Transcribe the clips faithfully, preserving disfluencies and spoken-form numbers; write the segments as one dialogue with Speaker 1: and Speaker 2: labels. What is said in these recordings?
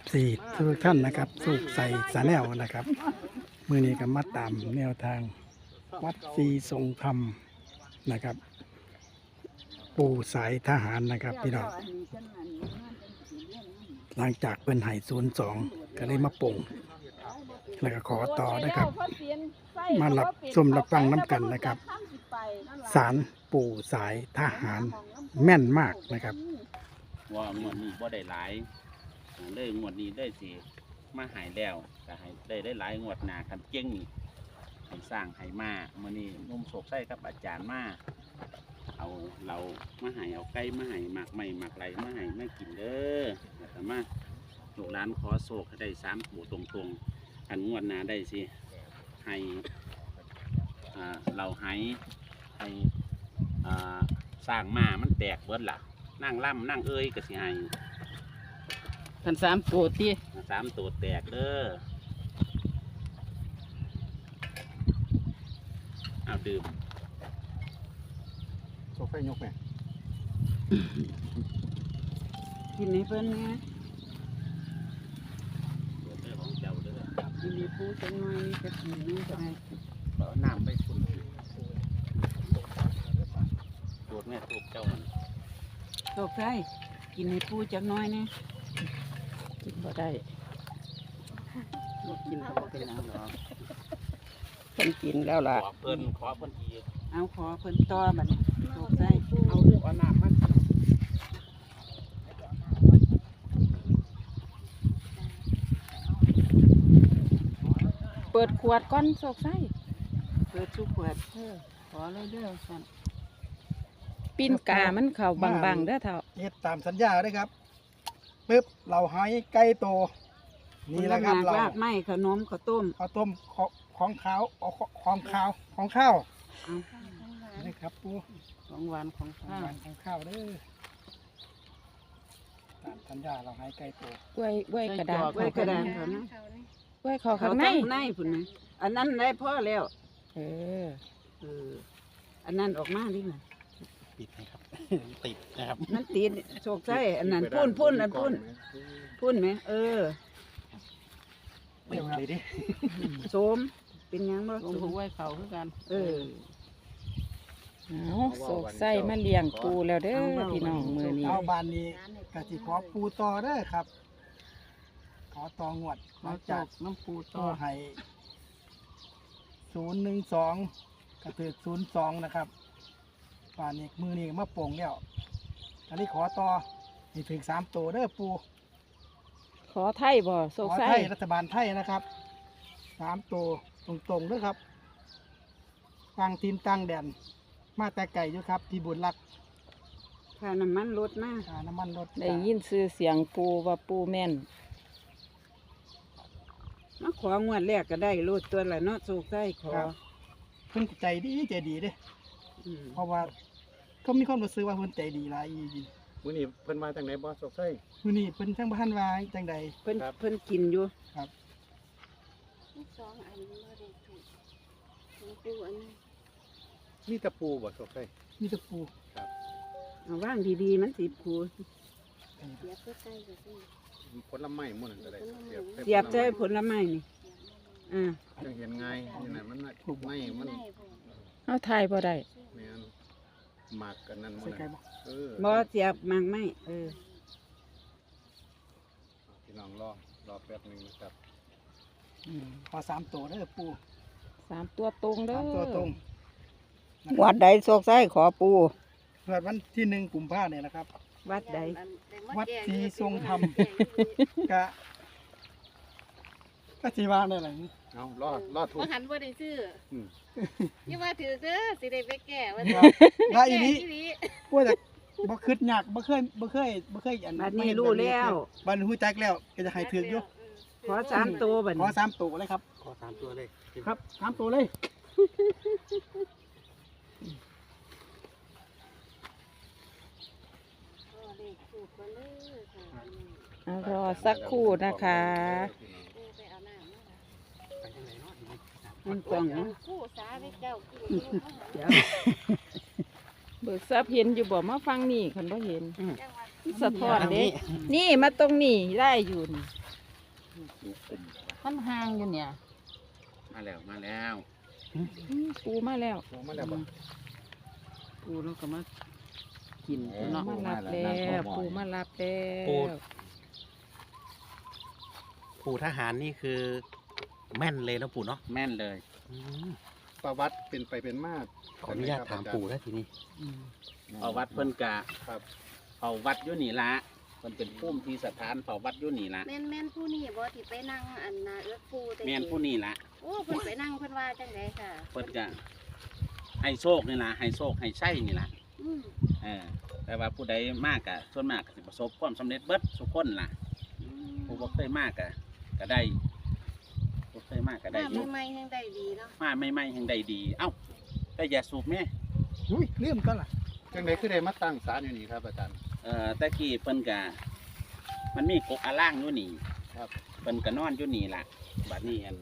Speaker 1: ซีทุกท่านนะครับสุกใส่สาแนวนะครับมือนี้ก็มาตามแนวทางวัดศรีทรงธรรมนะครับ ปู่สายทหารนะครับพี่น้องหลังจากเป็นไห่ศูนย์สองก็เลยมาป่งแล้วก็ขอต่อนะครับมารับชมรับฟังน้ำกันนะครับศาลปู่สายทหารแม่นมากนะครับ
Speaker 2: ว่างวดนี้บ่ได้หลายเลยงวดนี้ได้สิมาหายแล้วก็ให้ได้ได้หลายงวดหน้าคันเก่งนี่ให้สร้างให้มามื้อนี้นุ่มโศกไส้กับอาจารย์มาเอาเรามาให้เอาไก่มาให้หมักใหม่หมักไหลมาให้มากินเด้อแต่มาลูกหลานขอโศกให้ได้สามปู่ตรงๆอันงวดหน้าได้สิให้อ่าเราให้ให้อ่าสร้างมามันแตกเบิดล่ะนั่งล่ำนั่งเอ้ยก็สิให้
Speaker 3: พันสามตัวตี
Speaker 2: สามตัวแตกเด้อเอาดื่ม
Speaker 1: โซไฟยกแม่
Speaker 3: กินในเพิ่นเนี่ย
Speaker 2: เด้อของเจ้าเด้อ
Speaker 3: กินในปูจังหน่อยนี่ก็กินนี่ก็ได้
Speaker 2: เอาน้ำไปคุณตัวแม่ตัวเจ้ามัน
Speaker 3: ตกได้กินในปูจังน้อยเนี่ยกินบ่ได้กินบ่เป็นแล้วหรอกเพิ่นกินแล้วล่ะ
Speaker 2: ขอเพิ่นขอเพิ่นอีก
Speaker 3: เอาขอเพิ่นต่อบัดนี้ตกได้
Speaker 2: เอาเอาน้ำมัน
Speaker 3: เปิดขวดก้อนโศกไส้เปิดทุกขวดเออขอเลยเด้อสั่นปิ้นกามันเข่าบางๆเด้อเท่า
Speaker 1: เฮ็ดตามสัญญาได้ครับปึ๊บเราหายไก่โตนี่แหละครับเรา
Speaker 3: ไม่ขนมข้าวต้ม
Speaker 1: ข้าวต้มของข้าวของข้าวของข้าวนี่ครับปู
Speaker 3: ของหวานของข้าว
Speaker 1: ของข้าวเด้อตามสัญญาเราหายไก่โต
Speaker 3: กล้วยกล้วยกระดาษกล้วยกระดาษเขานะกล้วยขอข้างในในพุ่นนะอันนั้นได้พ่อแล้วเออเอออันนั้นออกมาดิน่ะ
Speaker 1: ปิดนะครับติดนะครับ
Speaker 3: มันติดโชคใช่อันนั้นพุ่นพุ่นอันพุ่นพุ่นไหมเออ
Speaker 1: เดี๋ยวเลยดิ
Speaker 3: โสมเป็นยังบ่โสมไว้เขาคือกันเออเอาโศกไส้มาเลี้ยงปูแล้วเด้อพี่น้องมือนี้
Speaker 1: เอาบานนี้กะสิขอปูต่อเด้อครับขอต่องวด
Speaker 3: มาจากน้ำปูต่อ
Speaker 1: ให้ศูนย์หนึ่งสองกระถือศูนย์สองนะครับบานนี้มือนี้มาโป่งแล้วอันนี้ขอต่อนี่ถึงสามตัวเด้อปู
Speaker 3: ขอไทยบ่โศกไส้
Speaker 1: ขอไทยรัฐบาลไทยนะครับสามตัวตรงๆด้วยครับตั้งทีมตั้งแดนมาแต่ไก่อยู่ครับพี่บุญรัก
Speaker 3: ค่าน้ำมันลดมาก
Speaker 1: ค่าน้ำมันลด
Speaker 3: ได้ยินซื้อเสียงปูว่าปูแม่นมาของวดแรกก็ได้ลดตัวละเนาะโศกไส้ขอ
Speaker 1: เพิ่นใจดีใจดีเด้เพราะว่าเขามีความรู้สึกว่าเพิ่นใจดีหลายอี
Speaker 2: มื้อนี้เพิ่นมาจังไดบ่โศกไส้
Speaker 1: มื้อนี้เพิ่นทั้งบ้านว่าจังใด
Speaker 3: เพิ่นเพิ่นกินอยู่
Speaker 1: ครับ
Speaker 4: สองอันบ่ได้ถูกของปูอันนี้
Speaker 2: นี่ตะปูบ่โศกไส้
Speaker 1: นี่ตะปู
Speaker 2: ครับ
Speaker 3: เอาว่างดีๆมันสิปู
Speaker 4: เสียบใกล้ๆก็ได้
Speaker 2: ผลไม้หมดนั่นก็ได้
Speaker 3: เสียบใจผลไม้นี่อ่า
Speaker 2: จังเห็นง่ายนี่น่ะมันถูกไม้มัน
Speaker 3: เอาถ่ายบ่ได้
Speaker 2: แม่นหมากกันนั่นหมดเออ
Speaker 3: บ่เสียบหมากไม้เออ
Speaker 2: พี่น้องรอรอแป๊บนึงนะครับ
Speaker 1: ขอสามตัวเด้อปู
Speaker 3: สามตัวตรงเด้อ
Speaker 1: สามตัวตรง
Speaker 3: วัดใดโศกไส้ขอปู
Speaker 1: เกิดวันที่หนึ่งกุมภาเนี่ยนะครับ
Speaker 3: วัดใด
Speaker 1: วัดศรีทรงธรรมกะก็สีวางได้หรือ
Speaker 2: เอารอดรอดถูก
Speaker 4: หันว่าได้ซื้อยี่ว่าถือเด้อสิได้ไปแก่ว่า
Speaker 1: ได้อีนี้พวกจะบ่คืดยากบ่เคยบ่เคยบ่เคยอัน
Speaker 3: บัดนี้รู้แล้ว
Speaker 1: บัดนี้ฮู้จักแล้วก็จะให้ถืออยู่
Speaker 3: ขอสามตัวบัด
Speaker 1: ขอสามตัวเลยครับ
Speaker 2: ขอสามตัวเลย
Speaker 1: ครับสามตัวเลย
Speaker 3: รอสักครู่นะคะมันกล่องนะเบิกทรัพย์เห็นอยู่บ่มาฟังนี่คันบ่เห็นสะท้อนเด้นี่มาตรงนี้ได้อยู่นี่
Speaker 2: ดูกลุ่ม
Speaker 3: มันห่างอยู่เนี่ย
Speaker 2: มาแล้วมาแล้ว
Speaker 3: อืมปูมาแล้ว
Speaker 1: โอ้มาแล้วบ่
Speaker 3: ปูแล้วก็มากิน
Speaker 2: เออ
Speaker 3: เนาะมารับแล้วปูมารับแล้ว
Speaker 5: ปู่ทหารนี่คือแม่นเลยนะปู่เนาะ
Speaker 2: แม่นเลย
Speaker 5: อืม
Speaker 1: ประวัติเป็นไปเป็นมา
Speaker 5: ขออนุญาตถามปู่แล้วทีนี้
Speaker 3: อืม
Speaker 2: เอาวัดเพิ่นกะ
Speaker 1: ครับ
Speaker 2: เอาวัดอยู่นี่ละเพิ่นเป็นภูมิที่สถานเผาวัดอยู่นี่ละ
Speaker 4: แม่นแม่นผู้นี้บ่ที่ไปนั่งอันนาเอื้อปูแต่
Speaker 2: แม่นผู้นี่ละ
Speaker 4: โอ้เพิ่นไปนั่งเพิ่นว่าจังไดค่ะ
Speaker 2: เพิ่นกะให้โชคนี่ละให้โชคให้ใช่นี่ละ
Speaker 4: อืม
Speaker 2: เออแต่ว่าผู้ใดมากกะส่วนมากก็สิประสบความสำเร็จเบิดทุกคนล่ะ
Speaker 4: อืม
Speaker 2: ผู้บ่เคยมากกะก็ได้ผู้เคยมากก็ได้
Speaker 4: มา
Speaker 2: อยู่
Speaker 4: ใหม่ๆยังได้ดีเนาะ
Speaker 2: มาไม่ไม่แห่งใดดี เอ้าแต่อย่าสูบแม่
Speaker 1: อุ้ยลืมก็ล่ะจังไดคือได้มาตั้งศาลอยู่นี่ครับอาจารย์
Speaker 2: เอ่อตะกี้เพิ่นกะมันมีกกอาล่างอยู่นี่
Speaker 1: ครับ
Speaker 2: เพิ่นก็นอนอยู่นี่ล่ะบัดนี้อัน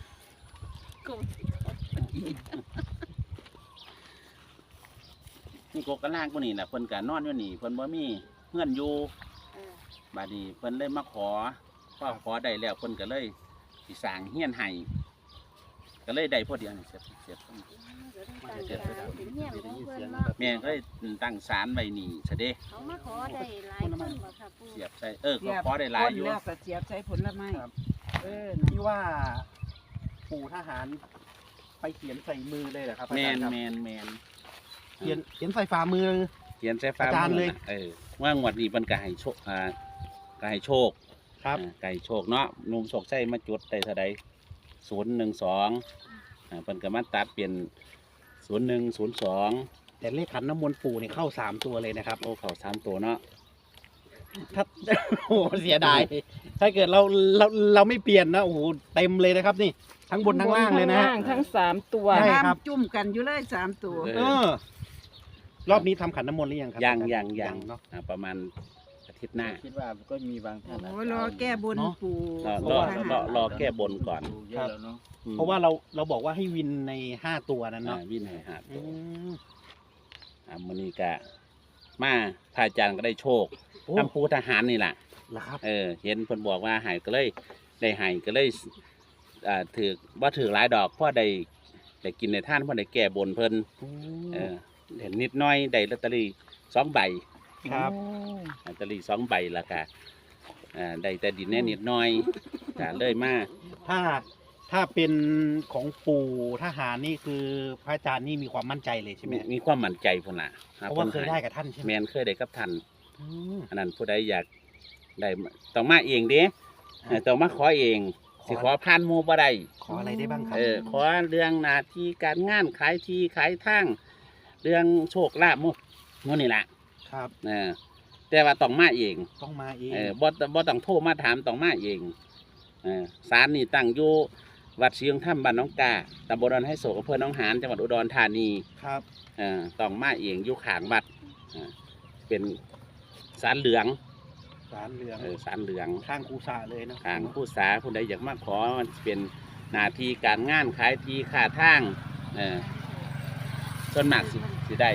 Speaker 2: นี่กกอาล่างกูนี่ล่ะเพิ่นก็นอนอยู่นี่เพิ่นบ่มีเงื่อนอยู่
Speaker 4: เออ
Speaker 2: บัดนี้เพิ่นเลยมาขอพอขอได้แล้วเพิ่นก็เลยสิสร้างเฮียนให้ก็เลยได้พอดีอันนี้เสียบเสียบ
Speaker 4: เดี๋ยวต้องตั้งศาลเป็นเฮียนของเพิ่นเนาะ
Speaker 2: แม่ก็เลยตั้งศาลไว้นี่ซะเด้
Speaker 4: เขามาขอได้หลายคนบ่ค่ะปู่
Speaker 2: เสียบใส่เออก็ขอได้หลายอยู่
Speaker 3: คนแล้วก็เสียบใช้ผลไม้
Speaker 5: ครับ
Speaker 3: เออ
Speaker 5: ที่ว่าปู่ทหารไปเขียนใส่มือเลยเหรอครับอา
Speaker 2: แม
Speaker 5: จาร
Speaker 2: น
Speaker 5: ย์ครับ
Speaker 2: แมนแมน
Speaker 5: เขียนเขียนใส่ฝ่ามือ
Speaker 2: เขียนใส่ฟ้า
Speaker 5: อาจารย์เลย
Speaker 2: มืน่ะเออว่างวดนี้เพิ่นก็ให้โชคอ่าก็ให้โชค
Speaker 5: ครับ
Speaker 2: อ่าก็ให้โชคเนาะหนุ่มโชคใส่มาจุดได้เท่าใดศูนย์หนึ่งสองอ่าเพิ่นก็มาตัดเปลี่ยนศูนย์หนึ่งศูนย์สอง
Speaker 5: แต่เลขขันน้ำมนต์ปู่นี่เข้าสามตัวเลยนะครับ
Speaker 2: โอ้เขาสามตัวเนาะ
Speaker 5: ถ้า โอ้โหเสียดาย ถ้าเกิดเราเราเราไม่เปลี่ยนนะโอ้โหเต็มเลยนะครับนี่ ทั้งบนทั้งล่างเลยนะ
Speaker 3: ทั้
Speaker 5: ฮะ
Speaker 3: งล่างทั้งสามตัว
Speaker 5: ใช่ครับ
Speaker 3: จุ่มกันอยู่เลยสามตัว
Speaker 2: เอ
Speaker 5: เออ รอบนี้ทำขันน้ำมนต์หรือยังครั
Speaker 2: ยังยังยัง
Speaker 5: เนาะ
Speaker 2: อ่าประมาณอาทิตย์หน้า
Speaker 6: คิดว่าก็มีบางท่านนะ
Speaker 3: โอ้รอแก้บน
Speaker 5: เนาะ
Speaker 3: ปู่
Speaker 2: รอ
Speaker 5: เพ
Speaker 2: ร
Speaker 5: ราะ
Speaker 2: อ
Speaker 5: ว่า
Speaker 2: รอรอแก้บนก่อน
Speaker 6: ดูเยอะแล้วเนาะ
Speaker 2: อืม
Speaker 5: เพราะว่าเราเราบอกว่าให้วินในห้าตัวนั้น
Speaker 2: อ่า
Speaker 5: เนาะ
Speaker 2: วินัยหา
Speaker 5: อื
Speaker 2: ตัว
Speaker 5: ม
Speaker 2: อ่ามื้อนี้ก็มาพระอาจารย์ก็ได้โชค
Speaker 5: โอ้
Speaker 2: ทำปูทหารนี่แหละ
Speaker 5: เหรอครับ
Speaker 2: เออเห็นเพิ่นบอกว่าใหายก็เลยได้ใหายก็เลยอ่าถือว่าถือหลายดอกเพราะได้ได้กินในท่านเพราะได้แก้บนเพิ่นเออเห็นนิดหน้อยได้ลอตเตอรี่สองใบ
Speaker 5: ครับ
Speaker 3: โอ้
Speaker 2: ลอตเตอรี่สองใบละค่ะอ่าได้แต่ดินแน่นิดหน้อยก็เลยมา
Speaker 5: ถ้าถ้าเป็นของปู่ทหารนี่คือพระอาจารย์นี่มีความมั่นใจเลยใช่ไหม
Speaker 2: มีมีความมั่นใจพุ่นล่ะ
Speaker 5: เพราะว่าเคยได้กับท่านใช่ไหม
Speaker 2: แมนเคยได้กับท่าน
Speaker 5: อืม
Speaker 2: อันนั้นผู้ใดอยากได้ต้องมาเองเด้เออต้องมาขอเอง
Speaker 5: ขอ
Speaker 2: สิขอผ่านหมู่บ่ได้
Speaker 5: ขออะไรได้บ้างครับ
Speaker 2: เออขอเรื่องหน้าที่การงานขายที่ขายทางเรื่องโชคลาภหมู่หมู่นี่แหละ
Speaker 5: ครับ
Speaker 2: เออแต่ว่าต้องมาเอง
Speaker 5: ต้องมาเอง
Speaker 2: เออบ่บ่ต้องโทรมาถามต้องมาเองเออศาลนี่ตั้งอยู่วัดเชียงถ้ำบ้านหน้องกาตำบลดอนไฮโศกอำเภอหนองหานจังหวัดอุดรธานี
Speaker 5: ครับ
Speaker 2: เออต้องมาเองอยู่ข้างวัดเออเป็นศาลเหลือง
Speaker 5: สารเหลือง
Speaker 2: เออศาลเหลือง
Speaker 5: ข้างครูสาเลยเนาะ
Speaker 2: ทางผู้สาผู้ใดอยากมาขอมันเป็นหน้าที่การงานขายที่ค่าทางเออส่วนมากสิสิได้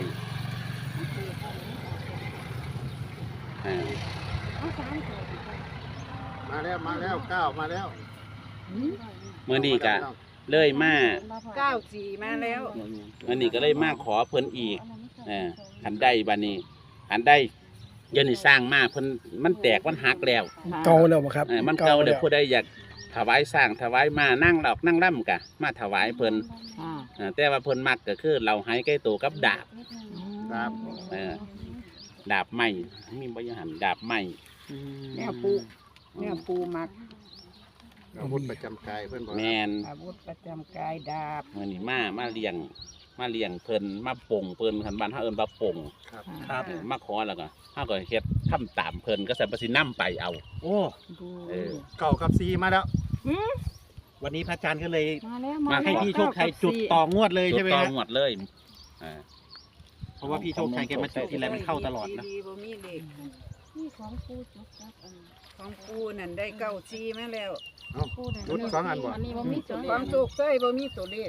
Speaker 2: เออ
Speaker 4: เอาสามตัว
Speaker 1: มาแล้วมาแล้วก้าวมาแล้ว
Speaker 2: เมื่อนี้ก็เลยมา
Speaker 3: เก้าสี่มาแล้ว
Speaker 2: เมื่อนี้ก็เลยมาขอเพิ่นอีกเออหันได้บัดนี้หันได้เดี๋ยันนี่สร้างมาเพิ่นมันแตกมันหักแล้ว
Speaker 1: เก่าแล้วบ่ครับ
Speaker 2: เออมันเก่าเดี๋ยวผู้ใดอยากถวายสร้างถวายมานั่งหลอกนั่งร่ำกะมาถวายเพิ่น
Speaker 3: อ่า
Speaker 2: เออแต่ว่าเพิ่นมักก็คือเราให้ใกล้ตัวกับดาบ
Speaker 1: ครับ
Speaker 2: เออดาบไม้มีบริหารดาบไม้
Speaker 5: อืม
Speaker 3: แนวปูแนวปูมัก
Speaker 1: อาวุธประจำกายเพิ่นบอก
Speaker 2: แมน
Speaker 3: อาวุธประจำกายดาบ
Speaker 2: เมื่อนี้มามาเลี้ยงมาเลี้ยงเพิ่นมาป่งเพิ่นคันบ้านเฮาเอิ้นว่าป่ง
Speaker 1: ครับ
Speaker 5: ครับ
Speaker 2: เออมาขอแล้วก็เฮาก็เฮ็ดทำตามเพิ่นก็ใส่ประสินำไปเอา
Speaker 5: โอ้
Speaker 2: เออ
Speaker 1: เก่ากับซีมาแล้ว
Speaker 5: วันนี้พระอาจารย์ก็เลย
Speaker 3: มาแล้ว
Speaker 2: มา
Speaker 3: มา
Speaker 5: ให้
Speaker 3: แล้ว
Speaker 5: พี่โชคชัยจุดต่องวดเลยใช่ไหม
Speaker 2: จุดต่อ
Speaker 5: ฮะ
Speaker 2: งวดเลยอ่า
Speaker 5: เพราะว่าพี่โชคชัยแกมาจุดทีไรมันเข้าตลอดนะ
Speaker 3: ดีๆบ่มีเลข
Speaker 4: นี่ของปูจุกจักอัน
Speaker 3: ของปูนั่นได้เก้าสี่มาแล้ว
Speaker 1: เอ้า
Speaker 4: ปูได้
Speaker 1: รุดสองอันบ่
Speaker 4: อันนี้บ่มีตัวเล
Speaker 3: ความ
Speaker 4: ข
Speaker 3: สุขใส่บ่มีตัวเลข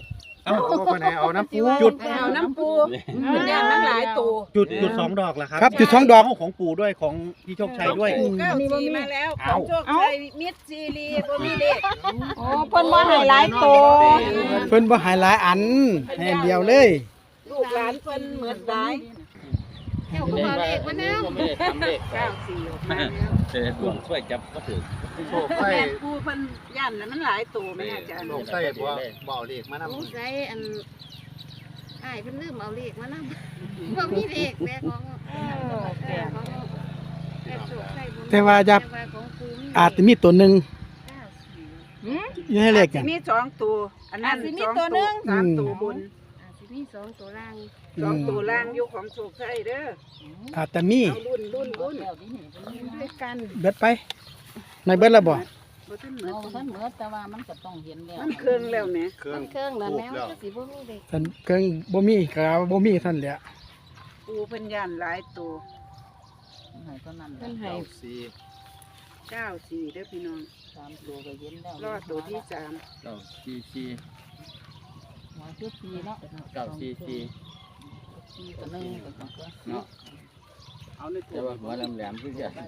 Speaker 5: เอา
Speaker 6: โอ้คนไหนเอาน้ำปู
Speaker 5: จุด
Speaker 4: เอาน้ำปูมันย่านมันหลายตัว
Speaker 5: จุดจุดสองดอกเหรอครับ
Speaker 1: ครับจุดสองดอก
Speaker 5: เาของปู่ด้วยของพี่โชคชัยด้วย
Speaker 4: ปูเก้าสีมาแล้วของโชคชัยมิดซีรีบ่มีเลข
Speaker 3: โอ้เพิ่นบ่ให้หลายโต
Speaker 1: เพิ่นบ่ใหายหลายอันให้อันเดียวเลย
Speaker 4: ลูกหลานเพิ่นเหมือนหลาย
Speaker 3: เจ้าก็บ่เลขมาแนว
Speaker 2: ไม่ได้ทำเลข
Speaker 4: เก้าสี่ออกมาแล้ว
Speaker 2: เจอดวงช่วยจับก็ถือ
Speaker 6: โชคไส้
Speaker 4: แม่ปูเพิ่นย่านแล้วมันหลายตัวแม่อาจารย์
Speaker 6: โชคไส้บ่บ่เอาเลขมานำ
Speaker 7: สงสัยอันอ้ายเพิ่นลืมเอาเลขมานำ บ่มีเลขแม่ของเออของแม่โชคชัยบ่มี
Speaker 1: แต่ว่าจะ
Speaker 7: แต่ว่าของปูมี
Speaker 1: อาจจะมีตัวหนึ่ง
Speaker 7: เก้าสี่
Speaker 1: อยู่ในเลข
Speaker 4: สิ
Speaker 1: กัน
Speaker 4: มีสองตัวอันนั้นสองตัวสามตัวบน
Speaker 7: อาจสิมีสองตัวล่าง
Speaker 4: สองตัวล่างอยู่ของโชคชัยเด้อ
Speaker 1: อาจจะมี
Speaker 4: เอารุ่นรุ่นรุ่น
Speaker 3: ด้วยกัน
Speaker 1: เบิดไปในเบิดแล้วบ่
Speaker 4: บ่ทันเหมือน
Speaker 3: เอาท่านเหมือแต่ว่ามันก็ต้องเห็นแล้ว
Speaker 4: มันเครื่องแล้วแหม
Speaker 6: เครื่อ
Speaker 7: มั
Speaker 6: ง
Speaker 7: นเครื่องแล้ว
Speaker 6: ถู
Speaker 7: แม่
Speaker 6: กแล้ว
Speaker 7: ก็สิบ่มีเลข
Speaker 1: ท่านเครื่องบ่มีก็บ่มีท่านแหละ
Speaker 4: ปูเพิ่นย่านหลายตัว
Speaker 3: ให้เท่านั้น
Speaker 7: เพิ่นให้
Speaker 6: เก้าสี่
Speaker 4: เก้าสี่เด้อพี่น้อง
Speaker 3: สามตัวก็เห็นแล้ว
Speaker 4: รอดตัวที่สาม
Speaker 2: เก้าซีซี
Speaker 3: หัวคือปีเนาะ
Speaker 2: เก้าซีซี
Speaker 3: ปีก็หนึงก็ต้องก็
Speaker 2: เนาะเอาในตัวหัวแหลมๆคือจะ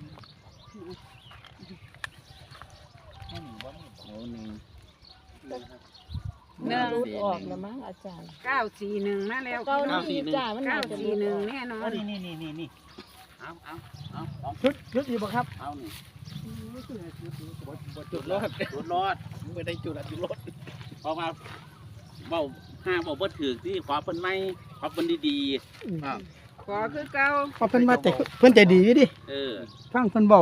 Speaker 2: โอ้หนึ่ง
Speaker 3: หนึ่งรุดออกแล้วมั้งอาจารย์
Speaker 4: เก้าสี่หนึ่งมาแล้ว
Speaker 3: เก้า
Speaker 4: พี่น้อง
Speaker 3: นี่จ้ามัน
Speaker 4: เก้า
Speaker 3: น่าจะ
Speaker 4: สี่หนึ่งแน่นอน
Speaker 5: นี่นี่นี่นี่
Speaker 2: เอาเอาเอาเอา
Speaker 1: ชุดชุดอยู่บ่ครับ
Speaker 2: เอานี่
Speaker 5: จุดรอด
Speaker 2: รถรอด
Speaker 5: ไม่ได้จุดอะจุดรถ
Speaker 2: เพราะว่าเบาห้าเบาบ่ถือที่ขอเพิ่นไม่ขอเพิ่นดี
Speaker 4: ขอคือเก้า
Speaker 1: เพราะเพิ่นมาแต่เพิ่นใจดีอยู่ดิ
Speaker 2: ๆเออ
Speaker 1: ฟังเพิ่นเว้า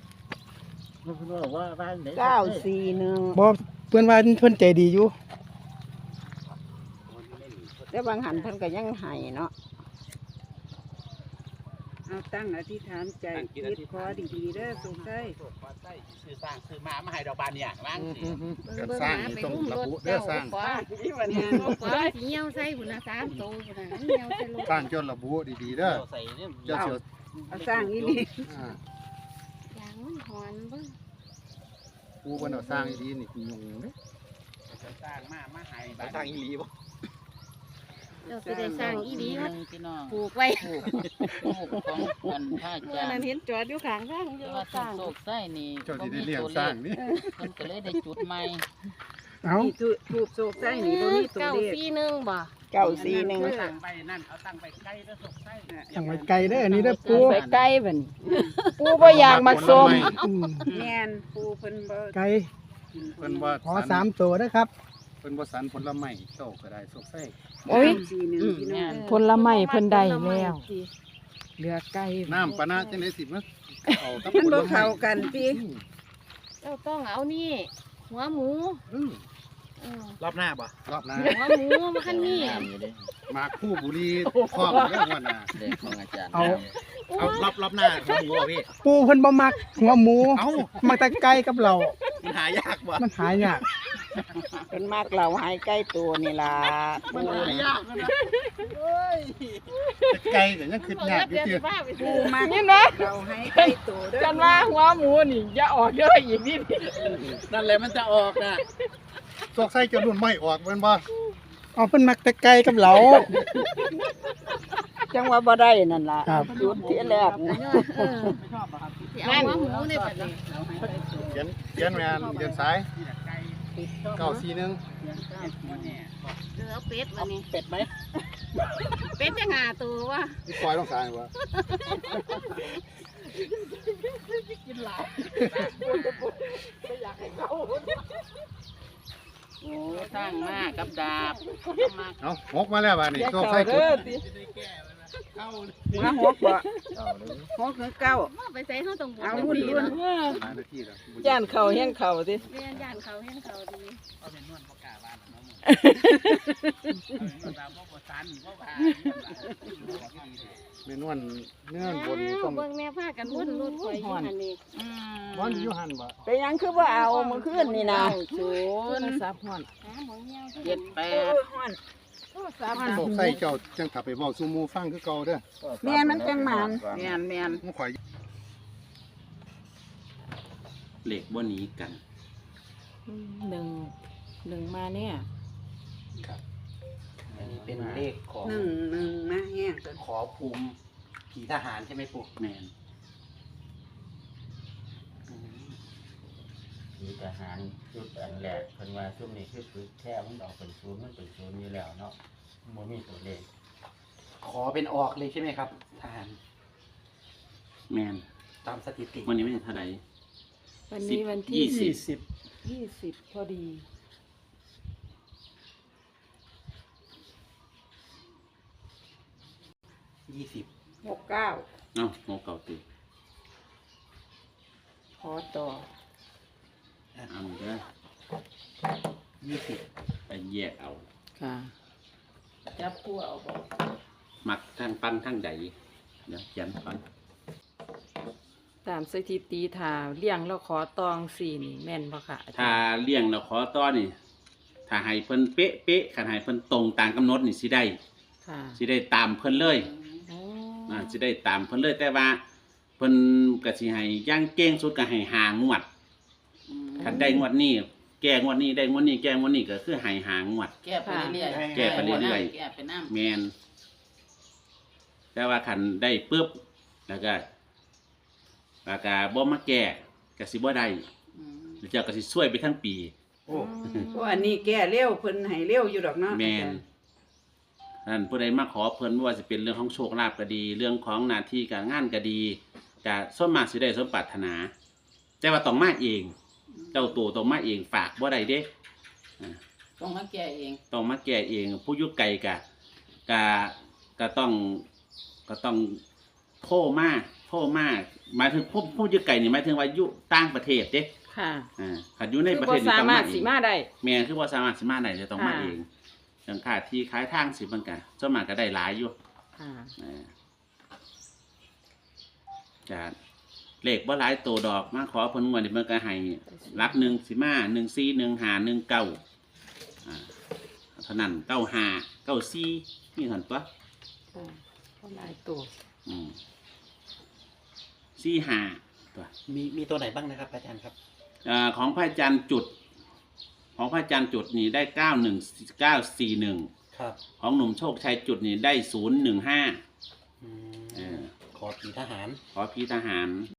Speaker 4: เก้าสี่หนึ่ง
Speaker 1: บ่เพิ่นว่าเพิ่นใจดีอยู่
Speaker 4: แต่บางหันเพิ่นก็ยังให้เนาะเอาตั้งอธิษฐานใจคิดขอดีๆเด้อสงสัย
Speaker 2: ขอใส่ซื้อสร้างซื้อมามาให้ดอกบานเนี่ยว่างสิ
Speaker 6: การสร้างนี่ต้องระบุเด้อสร้าง
Speaker 7: ขวา
Speaker 4: ที่วันนี้
Speaker 7: ขวาสิเหี่ยวใส่พุ่นน่ะสามตัวพุ่นน่ะเหี่ยวใส่ลง
Speaker 6: สร้างจนระบุดีๆเด้อ
Speaker 2: ใส่เนี่ย
Speaker 6: เจ้าเสือ
Speaker 4: เอาสร้างอีนี่
Speaker 6: อ่า
Speaker 7: ยางมันหอนเบิ่ง
Speaker 6: ปูเพิ่นเอาสร้างดีๆนี่ยุ่งเด้อ
Speaker 2: สร้างมามาให้
Speaker 5: สายทางอีหลีบ่
Speaker 7: เราสิได้สร้างอีหลี
Speaker 3: ห
Speaker 7: มา
Speaker 3: นึ่งพี่น้อง
Speaker 7: ปลูกไว้
Speaker 3: ลูกลูกของคนพระอา
Speaker 4: เมื่อ
Speaker 3: จาร
Speaker 4: นั้น
Speaker 3: ย์
Speaker 4: เห็นจอดอยู่ข้างทางอ
Speaker 3: แต่
Speaker 4: ยู่
Speaker 3: ว่า
Speaker 4: สร้าง
Speaker 3: โศกไส้นี่
Speaker 6: เจ้า
Speaker 3: บ่
Speaker 6: สิได้
Speaker 3: มี
Speaker 6: เลี้ยง
Speaker 3: ตัว
Speaker 6: ส
Speaker 3: เล
Speaker 6: ร้าง
Speaker 3: ข
Speaker 6: นี่
Speaker 3: เพิ่นก็เลยได้จุดใหม่
Speaker 1: เอ้า
Speaker 4: นี่ถูกถูกโศกไส้นี่บ่มีตัว
Speaker 7: เก้า
Speaker 4: เลข
Speaker 7: สี่หนึ่งบ่
Speaker 4: เก้าสี่หนึ่ง
Speaker 2: ตั้งไปนั่นเอาตั้งไปใกล้แล้วสกไส้
Speaker 1: ตั้งไว้ไกลเด้ออันนี้เด้อปู
Speaker 3: ไปใกล้บัดนี้ปูบ่อยากมาส้ม
Speaker 1: อืม
Speaker 4: แม่นปูเพิ่นบ่
Speaker 1: ไกล
Speaker 6: เพิ่นว่า
Speaker 1: ขอสามตัวนะครับ
Speaker 6: เพิ่นบ่สันผลไม้โชคก็ได้โชคไส้
Speaker 3: โอ้ย
Speaker 4: สี่หนึ่งพี่น้อง
Speaker 3: ผลไม้เพิ่นได้แล้วเหลือไก่
Speaker 6: น้ำปะนะจังได๋สิมาเอากับ
Speaker 4: มัน
Speaker 6: ผล
Speaker 4: บ่
Speaker 6: ไม้
Speaker 4: เข้ากันติ
Speaker 7: เจ้าต้องเอานี่ หัวหมู
Speaker 6: อืม
Speaker 7: เออ
Speaker 5: รอบหน้าบ่
Speaker 6: รอบหน้า
Speaker 7: หัวหมูมาคันนี้
Speaker 6: หมากคู่บุรีครอบเรื่องวันน่ะ
Speaker 2: เด็กของอาจารย์
Speaker 1: เอา
Speaker 5: เอารอบรอบหน้าของหมูบ่พี่
Speaker 1: ปูเพิ่นบ่มักหัวหมู
Speaker 5: เอ้า
Speaker 1: มักแต่ไก่กับเรา
Speaker 5: มันหายากบ่
Speaker 1: มันหายาก
Speaker 4: เพิ่นมักเหล่าหายใกล้ตัวนี่ล่ะ
Speaker 5: มันหายากนะ
Speaker 6: ไก่ก็ยังคิดยากอยู่ติ
Speaker 4: ปูมัก
Speaker 3: นี่นะ
Speaker 4: เหล่าหายใกล้ตัวเด้อ
Speaker 3: กันว่าหัวหมูนี่อย่าออกเด้ออีกนิด
Speaker 5: นั่นแหละมันจะออกน่ะ
Speaker 6: โชคไส้จนรุ่นไม่ออกแม่นบ่
Speaker 1: เอาเพิ่นมักแต่ไก่กับเรา
Speaker 4: จังว่าบ่ได้นั่นล่ะ
Speaker 1: ครับ
Speaker 4: จุดที่แรก
Speaker 7: เออสิเอาหัวหมูในบัดนี้
Speaker 6: เขียนเขียนแม่นเขียนสายเก้าสี่หนึ่ง
Speaker 7: เออเอาเป็ดบัดนี้
Speaker 5: เป็ดไหม
Speaker 7: เป็ดจะหาตัววะ
Speaker 6: นี่ปล่อยลงสายบ่
Speaker 3: โอ้สร้างมากกับดาบมาก
Speaker 6: เอาหกมาแล้วบาดนี้โชคไส้จุด
Speaker 4: มาหกบ่หกคือเก้า
Speaker 7: ว่าไปใส่เฮาต้องบ่
Speaker 4: เอารุ่นรุ่น
Speaker 6: หานาทีแล้ว
Speaker 4: ย่านเขาแห้งเขาติ
Speaker 7: เรียนย่านเขาเห็นเขาดี
Speaker 2: เอาเป็นนวลบ่กล้าบ้านเนาะมึงเอาบ่บ่สันบ่ว่า
Speaker 6: เมนวนเนื้อบน
Speaker 7: อ้าว
Speaker 6: ต้อง
Speaker 7: เบิ่งแม่พากันวนรถข่อยอยู่หั่นนี่
Speaker 3: อืม
Speaker 6: บอนอยู่หันบ่
Speaker 4: เป็นหยังคือบ่เอาเมื่อคืนนี่นะ
Speaker 3: ศูนย์สับห่อน
Speaker 7: หาหมองเหี่ยว
Speaker 3: เจ็ดแป
Speaker 4: โอ้
Speaker 3: ด
Speaker 4: ยฮ้อน
Speaker 3: สาม
Speaker 6: โชคไส้เจ้าจังถ้าไปเว้าสู่หมู่ฟังคือเก่าเด้อ
Speaker 4: แม่นมันจังหมาน
Speaker 3: แมนแมน
Speaker 6: มันข่อย
Speaker 2: เหล็กบ่หนีกัน
Speaker 3: หนึ่งหนึ่งมาเนี่ย
Speaker 5: ครับอันนี้เป็นเลขของ
Speaker 7: หนึ่งหนึ่งมาแห้งตัว
Speaker 5: ขอภูมิผีทหารใช่ไหมปู่
Speaker 2: แม่น
Speaker 5: อืม
Speaker 8: มีทหารชุดอันแรกเพิ่นว่าช่วงนี้คือฝึกแค่มันออกเป็นศูนย์มันเป็นศูนย์อยู่แล้วเนาะบ่มีตัวเลข
Speaker 5: ขอเป็นออกเลยใช่ไหมครับทหาร
Speaker 2: แม่น
Speaker 5: ตามสถิติ
Speaker 2: วันนี้ไม่ใช่เท่าไหร่
Speaker 3: วันนี้วัน
Speaker 2: ยี่
Speaker 3: ที่
Speaker 2: สิบ
Speaker 3: ยี่สิบพอดี
Speaker 5: ยี่สิบ
Speaker 3: หกเก้า
Speaker 2: เอ้าโมเก่าติ
Speaker 3: ขอต่อ
Speaker 2: เอาเด้อ
Speaker 5: ยี่สิบ
Speaker 2: ไปแยกเอา
Speaker 3: ค่ะจับคู่เอาบ่
Speaker 2: มักทั้งปั้นทั้งใดเดี๋ยวเขียนก่อน
Speaker 3: ตามสถิติถ้าเลี้ยงแล้วขอตองสี่นี่แม่นบ่ค่ะอาจารย์
Speaker 2: ถ้าเลี้ยงแล้วขอต่อนี่ ถ้าให้เพิ่นเป๊ะเป๊ะคันให้เพิ่นตรงตามกำหนดนี่สิได้
Speaker 3: ค่ะ
Speaker 2: สิได้ตามเพิ่นเลย
Speaker 3: อ๋อ
Speaker 2: อ่าสิได้ตามเพิ่นเลยแต่ว่าเพิ่นก็สิให้อย่างเก่งสุดก็ให้หางวดคันได้งวดนี้แก้งวดนี้ได้งวดนี้แก้งวดนี้ก็คือให้หางวด
Speaker 9: แก้ไปเรื่อยๆ
Speaker 2: แก้ไปเรื่อยๆ
Speaker 9: แก้ไปน้ำ
Speaker 2: แม่นแต่ว่าคันได้ปึ๊บแล้วก็แล้วก็บ่มาแก้ก็สิบ่ได้
Speaker 9: อืม
Speaker 2: แล้วเจ้าก็สิช่วยไปทั้งปี
Speaker 5: โอ้
Speaker 9: เพราะอันนี้แก้เร็วเพิ่นให้เร็วอยู่ดอกเนาะ
Speaker 2: แม่นนั่นผู้ใดมาขอเพิ่นไม่ว่าจะเป็นเรื่องของโชคลาภก็ดี เรื่องของหน้าที่การงานก็ดีก็ส่วนมากสิได้สมปรารถนา แต่ว่าต้องมาเอง เจ้าตัวต้องมาเองฝากบ่ได้เด้อ่า
Speaker 9: ต้องมาแก้เอง
Speaker 2: ต้องมาแก้เอง ผู้อยุไกลกะกะก็ต้องก็ต้องโทรมาโทรมาหมายถึงผู้ผู้อยุไกลนี่หมายถึงว่าอยู่ต่างประเทศเด้
Speaker 3: ค่ะ
Speaker 2: อ่าคันอยู่ใน
Speaker 3: คือ
Speaker 2: ประ
Speaker 3: บ่
Speaker 2: เทศนี่
Speaker 3: สา
Speaker 2: ต้อง
Speaker 3: มาร
Speaker 2: มา
Speaker 3: ถ
Speaker 2: เอ
Speaker 3: สิ
Speaker 2: ง
Speaker 3: มาได้
Speaker 2: แม่นคือบ่สามารถสิมาได้จะต้องมา
Speaker 3: ค่ะ
Speaker 2: เองอย่างค่าที่ขายทางสิมันก็ส่วนมากก็ได้หลายอยู่
Speaker 3: ค่ะ
Speaker 2: อ่าจะเลขบ่หลายตัวดอกมาขอเพิ่นงวดนี่มันก็ให้หลักหนึ่งสิมาหนึ่งสี่หนึ่งห้าหนึ่งเก้าอ่าเท่านั้นเก้าห้าเก้าสี่นี่เห็นปะ
Speaker 3: ค่ะก็หลายตัว
Speaker 2: อืมสี่ห้าตัว
Speaker 5: มีมีตัวไหนบ้างนะครับอาจารย์ครับ
Speaker 2: อ่าของพระอาจารย์จุด ของพระอาจารย์จุดนี่ได้เก้าหนึ่งเก้าสี่หนึ่ง
Speaker 5: ครับ
Speaker 2: ของหนุ่มโชคชัยจุดนี่ได้ศูนย์หนึ่งห้า
Speaker 5: อืม
Speaker 2: เออ
Speaker 5: ขอผีทหาร
Speaker 2: ขอพี่ทหาร